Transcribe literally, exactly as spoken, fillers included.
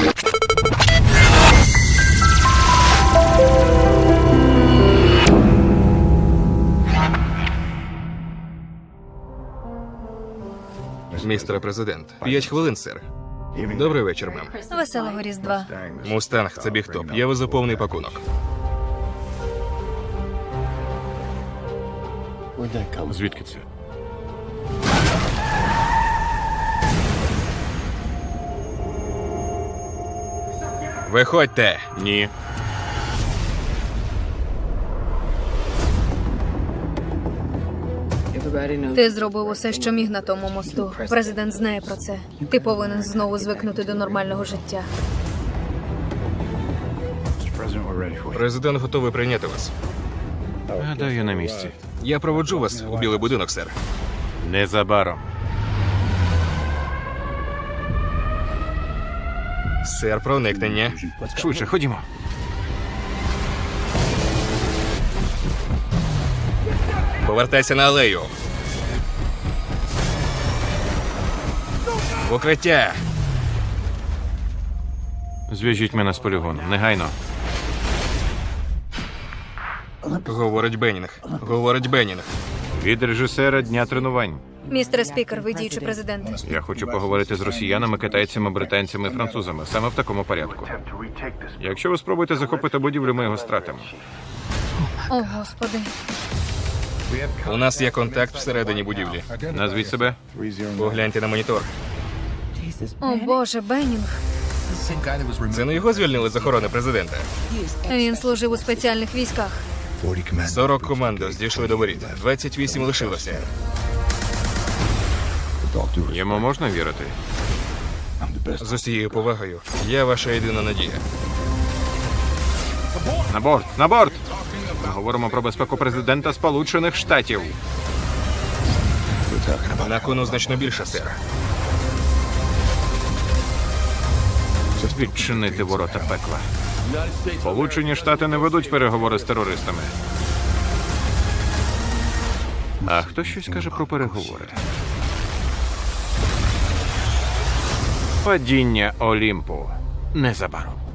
Містере президент, п'ять хвилин, сер. Добрий вечір, мем. Веселого Різдва. Мустанг – це біг-топ. Я везу повний пакунок. Звідки це? Виходьте! Ні. Ти зробив усе, що міг на тому мосту. Президент знає про це. Ти повинен знову звикнути до нормального життя. Президент готовий прийняти вас. Гадаю, я на місці. Я проводжу вас у білий будинок, сер. Незабаром. Сер, проникнення. Швидше, ходімо. Повертайся на алею. В укриття. Зв'яжіть мене з полігоном. Негайно. Говорить Беннінг. Говорить Беннінг. Від режисера Дня тренувань. Містере спікер, ви діючий президент. Я хочу поговорити з росіянами, китайцями, британцями, французами. Саме в такому порядку. Якщо ви спробуєте захопити будівлю, ми його стратимо. О, Господи. У нас є контакт всередині будівлі. Назвіть себе. Погляньте на монітор. О, Боже, Беннінг. Це не його звільнили з охорони президента. Він служив у спеціальних військах. сорок командос дійшли до воріт. двадцять вісім лишилося. Йому можна вірити? З усією повагою, я ваша єдина надія. На борт! На борт! Ми говоримо про безпеку президента Сполучених Штатів. На кону значно більше, сер. Відчинити ворота пекла. Сполучені Штати не ведуть переговори з терористами. А хто щось каже про переговори? Падіння Олімпу. Незабаром.